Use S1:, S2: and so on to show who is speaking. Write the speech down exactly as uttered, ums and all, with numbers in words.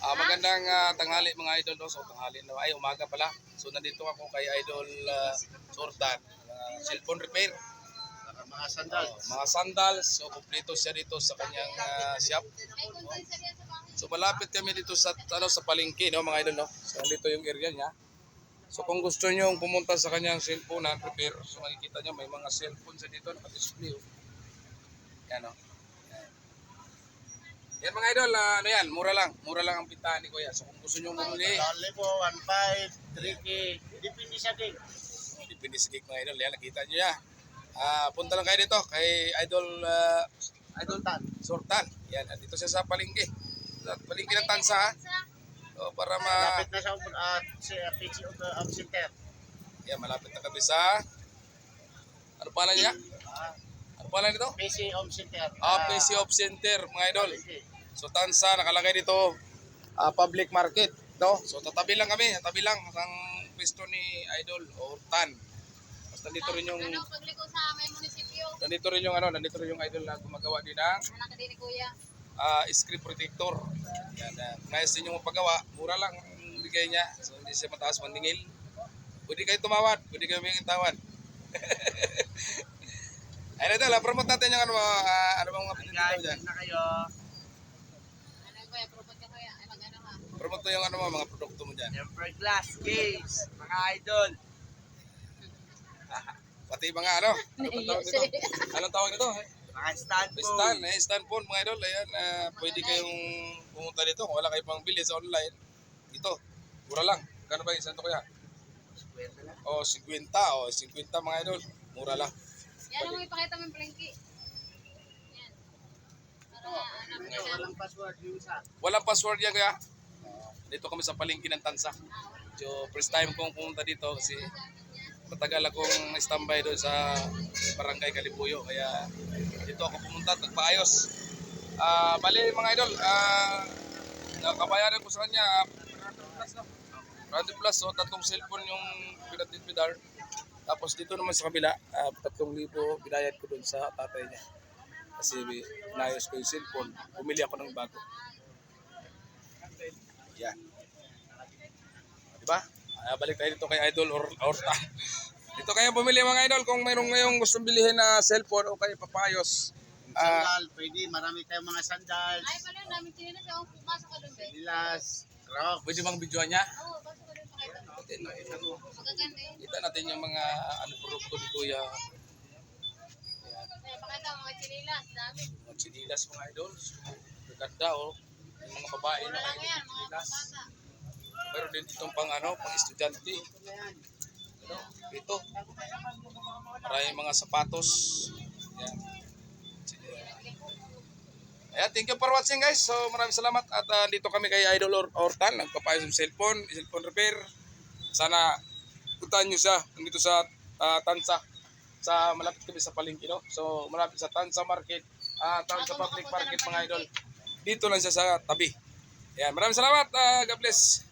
S1: Ah, magandang ah, tanghali mga idol, no? So tanghali na ay umaga pala. So nandito ako kay Idol uh, Jordan, uh, cellphone repair,
S2: Mga sandals.
S1: oh, mga sandals. So kumpleto siya dito sa kanyang ah, shop. So malapit kami dito sa ano sa palengke, no mga idol, no. So dito yung area niya. So kung gusto niyo pumunta sa kanyang cellphone na repair, so makikita niyo may mga cellphone sa dito naka-display. Oh. Yan oh. Yan mga idol, uh, ano yan, mura lang. Mura lang ang pintahan ni Kuya. So kung gusto nyo bumili,
S2: Dali po, one point five, three K. Depende sa gig.
S1: oh, dipindi sa gig mga idol. Yan, nakita nyo yan. Uh, punta lang kayo dito kay Idol uh, Idol
S2: Sultan.
S1: Sultan. Yan, dito siya sa palengke. Sa palengke ng Tansa. Ha? So, para ma...
S2: Malapit na sa uh, si uh, P C O uh, Center.
S1: Yan, malapit na kami sa... Ano pala niya?
S2: Ah,
S1: Ano pala nito?
S2: P C Home Center.
S1: Ah, P C Off Center mga idol. So Tansa, nakalagay dito uh, public market. No? So tatabi lang kami, tatabi lang ang pwesto ni Idol Ortan. Basta nandito rin yung
S3: Anong pagliko sa may munisipyo?
S1: nandito rin yung ano, nandito rin yung Idol na gumagawa din ng
S3: Anak din ni Kuya.
S1: uh, screen protector. Yan, uh, nais din yung paggawa, mura lang ang bigay niya. So hindi siya mataas mandingil. Pwede kayo tumawad, pwede kayo may tawad. Ayun Idol, uh, promote natin yung ano, uh, ano bang mga pinito
S2: Guys,
S1: dyan.
S2: na kayo.
S3: Ano Kuya, propot ka Kuya. Ay mag-ano ha.
S1: Promote mo yung ano, mga produkto mo dyan.
S2: Tempered glass case. Mga idol.
S1: Pati mga ano, anong tawag nito? Anong tawag nito?
S2: Mga stand po.
S1: Stand, eh, stand phone mga idol. Ayan, uh, pwede kayong pumunta dito kung wala kayo pang bili sa online. Ito, mura lang. Kano ba yung santo kaya? O, fifty o, fifty mga idol. Mura lang.
S3: Yan ang ipakita mo yung plengki. Yan. Para anak
S2: Ito,
S3: nila.
S2: walang password yung isa.
S1: Walang password yan kaya. Dito kami sa palengke ng Tansa. So, first time kong pumunta dito kasi matagal akong standby doon sa Barangay Kalibuyo. Kaya dito ako pumunta at nagpaayos. Ah, bali mga idol, ah, nakabayaran ko sa kanya ah, one hundred plus, so tatlong cellphone yung pinatitpidar. Tapos dito naman sa kabila, uh, tatlong libo binayad ko doon sa tatay niya. Kasi inayos ko yung cellphone, bumili ako ng bago. Yan. Diba? Uh, balik tayo dito kay Idol or Orta. Dito kayo bumili mga idol kung mayroong ngayong gustong bilihin na cellphone o kayo papayos. Ah,
S2: Sandal, pwede. Marami tayong mga sandals.
S3: Ay pala, namin tinilas. Oh, pumasok ka doon, be.
S2: Nilas, crocs.
S1: pwede bang videoan niya?
S3: Oo, pasok ka doon pakita mo.
S1: Natin, nakita mo.
S3: Magaganda yun.
S1: Kita natin yung mga ano produkto ni Kuya.
S3: Ay, pakita mo mga chinilas. Dami.
S1: Mga chinilas mga idol. Ganda oh. Yung mga babae
S3: Mura
S1: na
S3: lang
S1: idol
S3: yan, mga
S1: chinilas.
S3: bata.
S1: Meron din itong pang ano, pang estudyante. Ano, ito. Maraming mga sapatos. Yan. Ayan, thank you for watching guys. So maraming salamat at uh, dito kami kay Idol Or Ortan, nagpapayos ng cellphone, cellphone repair. Sana puntahan nyo siya dito sa uh, Tansa. Sa malapit kami sa palengke, no? So malapit sa Tansa Market, uh, Tansa Public Market mga idol. Dito lang siya sa tabi. Ayan, maraming salamat. Uh, God bless.